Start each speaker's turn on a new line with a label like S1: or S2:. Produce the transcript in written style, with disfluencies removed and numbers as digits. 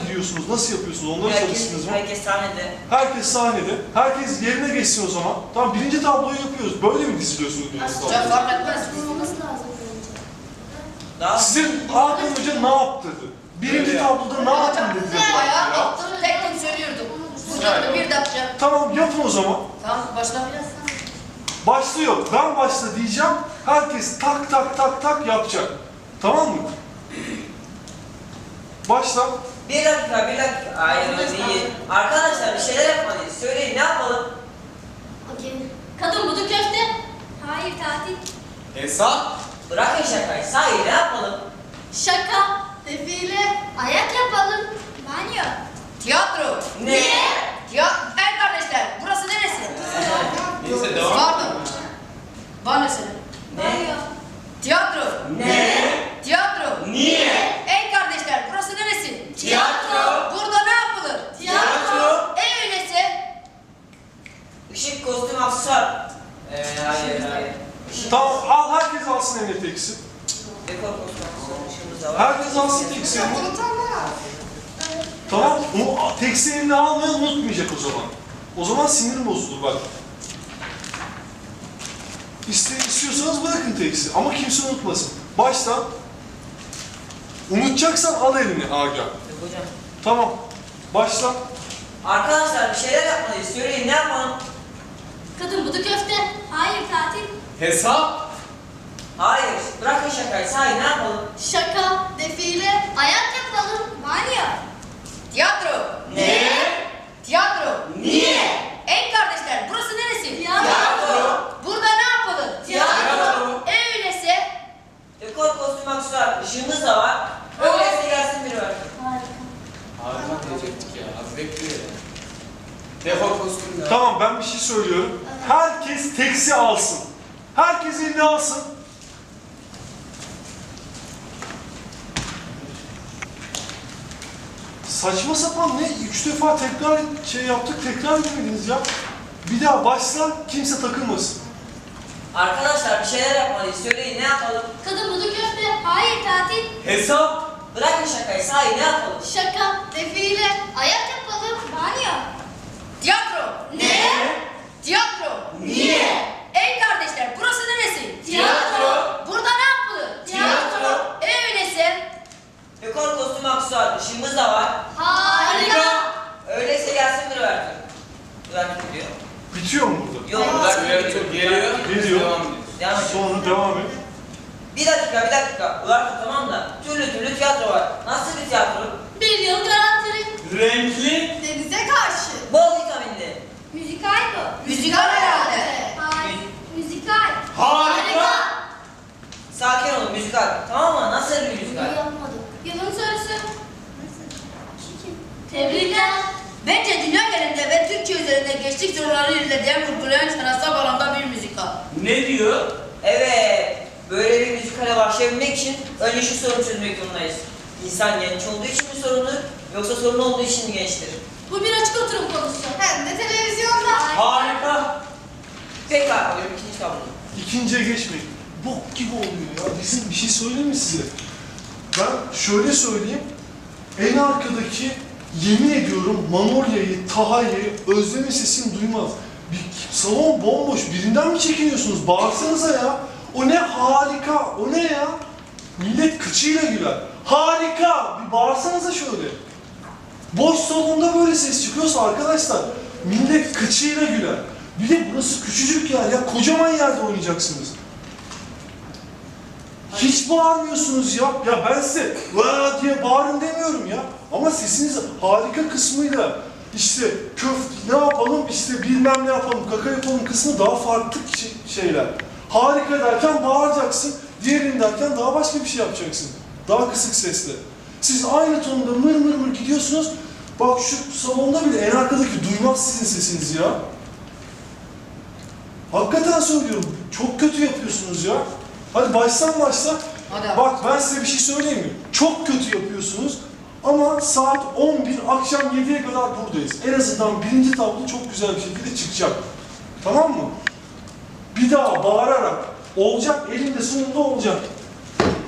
S1: gidiyorsunuz? Nasıl yapıyorsunuz? Onları çalıştınız mı?
S2: Herkes sahnede.
S1: Herkes sahnede. Herkes yerine geçsin o zaman. Tamam, birinci tabloyu yapıyoruz. Böyle mi diziliyorsunuz birinci tabloyu?
S3: Çok fark etmez.
S4: Olması lazım
S2: Daha
S1: Sizin Hakan Hoca ne yaptırdı? Birinci tabloda ne yaptın dedi.
S3: Ayağa kalktım, tek tek söylüyordum. Vurdu bir dakika.
S1: Tamam, yapın o zaman.
S3: Tamam, başla.
S1: Başlıyor. Ben başla diyeceğim. Herkes tak tak tak tak yapacak. Tamam mı? Başla.
S2: bir dakika. Hayır öyle değil. Arkadaşlar bir şeyler yapmalıyız. Söyleyin ne yapalım?
S4: Okey.
S5: Kadın budu köfte.
S4: Hayır tatil.
S6: Hesap.
S2: Bırakın şakayı. Sahi ne yapalım?
S5: Şaka. Defile.
S4: Ayak yapalım. Banyo.
S3: Tiyatro.
S2: Ne?
S3: Ey kardeşler, burası neresi?
S6: Neyse devam.
S3: Pardon. Bana söyle.
S2: Ne?
S3: Tiyatro.
S2: Ne?
S3: Tiyatro.
S2: Niye?
S3: Ey kardeşler, burası neresi?
S2: Tiyatro.
S3: Burada ne yapılır?
S2: Tiyatro.
S3: Ey öyleyse.
S2: Işık, kostüm, aksesuar. Hayır. Işık,
S1: Tamam, al herkes alsın eline teksi.
S2: dekor, kostüm, aksesuar. Işığımız da var.
S1: Herkes alsın teksi. Tamam, teksi eline almayı unutmayacak o zaman. O zaman sinirim bozulur bak. İstiyorsanız bırakın teksi ama kimse unutmasın. Başla. Unutacaksan al elini Aga.
S2: Yok hocam.
S1: Tamam. Başla.
S2: Arkadaşlar bir şeyler yapmalıyız. Söyleyin ne yapalım?
S5: Kadın budu köfte.
S4: Hayır tatil.
S6: Hesap.
S2: Hayır. Bırakın şakayı. Sahi ne yapalım?
S5: Şaka. Defile.
S4: Ayak yapalım. Banyo.
S3: Tiyatro.
S2: Ne?
S3: Tiyatro.
S2: Niye?
S3: Ey kardeşler, burası neresi?
S2: Tiyatro.
S3: Burada ne yapılır?
S2: Tiyatro.
S3: Ey öyleyse.
S2: Dekor, kostüm, aksesuar. Işığımız da var. Öyleyse gelsin biri var.
S6: Harika diyecektik ya. Az bekliyor ya. Defol kostümler.
S1: Tamam, ben bir şey söylüyorum. Herkes teksi alsın. Herkes elini alsın. Saçma sapan ne? 3 defa tekrar yaptık, tekrar edemediniz ya. Bir daha başla, kimse takılmasın.
S2: Arkadaşlar bir şeyler yapmalıyız. Söyleyin ne yapalım?
S5: Kadın budu köfte.
S4: Hayır tatil.
S6: Hesap.
S2: Bırakın şakayı. Sahi ne yapalım?
S5: Şaka. Defile.
S4: Ayak yapalım. Banyo.
S3: Tiyatro.
S2: Ne?
S3: Tiyatro.
S2: Niye?
S3: Ey kardeşler, burası neresi?
S2: Tiyatro.
S3: Burada ne yapılır?
S2: Tiyatro.
S3: Ey öyleyse.
S2: Dekor, kostüm, aksesuar. Işığımız da var.
S4: Harika.
S2: Öyleyse gelsin biri versin. Bırakın diyor.
S1: Bitiyor mu burada?
S2: Yok bırakın
S6: Evet,
S2: diyor.
S6: geliyor.
S1: Geliyor.
S6: Devam ediyoruz.
S2: Devam ediyor.
S1: Sonra devam et.
S2: Bir dakika. Ulan tamam da türlü tiyatro var. Nasıl bir tiyatro?
S5: Bir yıl garantili.
S6: Renkli.
S5: Denize karşı.
S2: Bol vitaminli.
S4: Müzikal bu.
S3: Müzikal herhalde.
S4: Hayır. Müzikal.
S6: Harika.
S2: Sakin olun müzikal. Tamam mı? Nasıl bir müzikal?
S4: Yapmadık.
S5: Yılın sorusu.
S4: Çirkin.
S5: Tebrikler.
S3: Bence dünya genelinde ve Türkçe üzerinde gençlik soruları ilerleyen vurgulayan sanatsal alanda bir müzikal.
S6: Ne diyor?
S2: Evet. Böyle bir müzikale başlayabilmek için önce şu sorunu çözmek zorundayız. İnsan genç olduğu için mi sorunlu yoksa sorun olduğu için mi gençtir?
S5: Bu bir açık oturum konusu.
S4: Hem de televizyonda.
S6: Harika.
S2: Tekrar alıyorum ikinci tabloyu.
S1: İkinciye geçmeyin. Bok gibi oluyor ya. Bizim bir şey söyleyeyim mi size? Ben şöyle söyleyeyim. En arkadaki yemin ediyorum Manolya'yı, Taha'yı, Özlem'in sesini duymaz. Bir salon bomboş. Birinden mi çekiniyorsunuz? Bağırsanıza ya. O ne harika. O ne ya? Millet kıçıyla güler. Harika. Bir bağırsanıza şöyle. Boş salonda böyle ses çıkıyorsa arkadaşlar millet kıçıyla güler. Bir de burası küçücük yer ya. Kocaman yerde oynayacaksınız. Hiç bağırmıyorsunuz ya. Ya ben size vaa diye bağırın demiyorum ya. Ama sesiniz harika kısmıyla işte ne yapalım işte bilmem ne yapalım kaka yapalım kısmı daha farklı şeyler. Harika derken bağıracaksın. Diğerini derken daha başka bir şey yapacaksın. Daha kısık sesle. Siz aynı tonda mır mır mır gidiyorsunuz. Bak şu salonda bile en arkadaki duymaz sizin sesinizi ya. Hakikaten söylüyorum. Çok kötü yapıyorsunuz ya. Hadi başla.
S3: Hadi abi.
S1: Bak ben size bir şey söyleyeyim mi? Çok kötü yapıyorsunuz. Ama saat 11, akşam 7'ye kadar buradayız. En azından birinci tablo çok güzel bir şekilde çıkacak. Tamam mı? Bir daha bağırarak olacak, elinde sonunda olacak.